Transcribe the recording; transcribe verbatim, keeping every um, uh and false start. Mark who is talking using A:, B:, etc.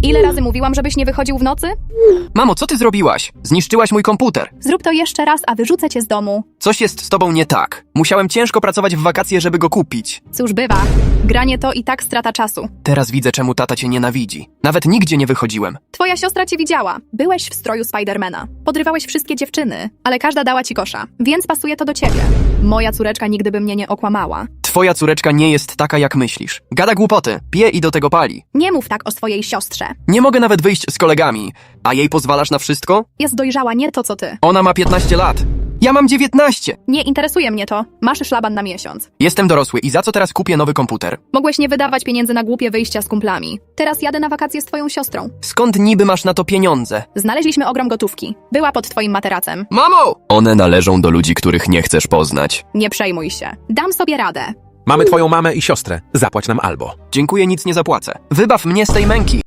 A: Ile razy mówiłam, żebyś nie wychodził w nocy?
B: Mamo, co ty zrobiłaś? Zniszczyłaś mój komputer.
A: Zrób to jeszcze raz, a wyrzucę cię z domu.
B: Coś jest z tobą nie tak. Musiałem ciężko pracować w wakacje, żeby go kupić.
A: Cóż bywa, granie to i tak strata czasu.
B: Teraz widzę, czemu tata cię nienawidzi. Nawet nigdzie nie wychodziłem.
A: Twoja siostra cię widziała. Byłeś w stroju Spidermana. Podrywałeś wszystkie dziewczyny, ale każda dała ci kosza, więc pasuje to do ciebie. Moja córeczka nigdy by mnie nie okłamała.
B: Twoja córeczka nie jest taka, jak myślisz. Gada głupoty, pije i do tego pali.
A: Nie mów tak o swojej siostrze.
B: Nie mogę nawet wyjść z kolegami. A jej pozwalasz na wszystko?
A: Jest dojrzała, nie to co ty.
B: Ona ma piętnaście lat. Ja mam dziewiętnaście.
A: Nie interesuje mnie to. Masz szlaban na miesiąc.
B: Jestem dorosły i za co teraz kupię nowy komputer?
A: Mogłeś nie wydawać pieniędzy na głupie wyjścia z kumplami. Teraz jadę na wakacje z twoją siostrą.
B: Skąd niby masz na to pieniądze?
A: Znaleźliśmy ogrom gotówki. Była pod twoim materacem.
B: Mamo! One należą do ludzi, których nie chcesz poznać.
A: Nie przejmuj się. Dam sobie radę.
C: Mamy twoją mamę i siostrę. Zapłać nam albo.
B: Dziękuję, nic nie zapłacę. Wybaw mnie z tej męki.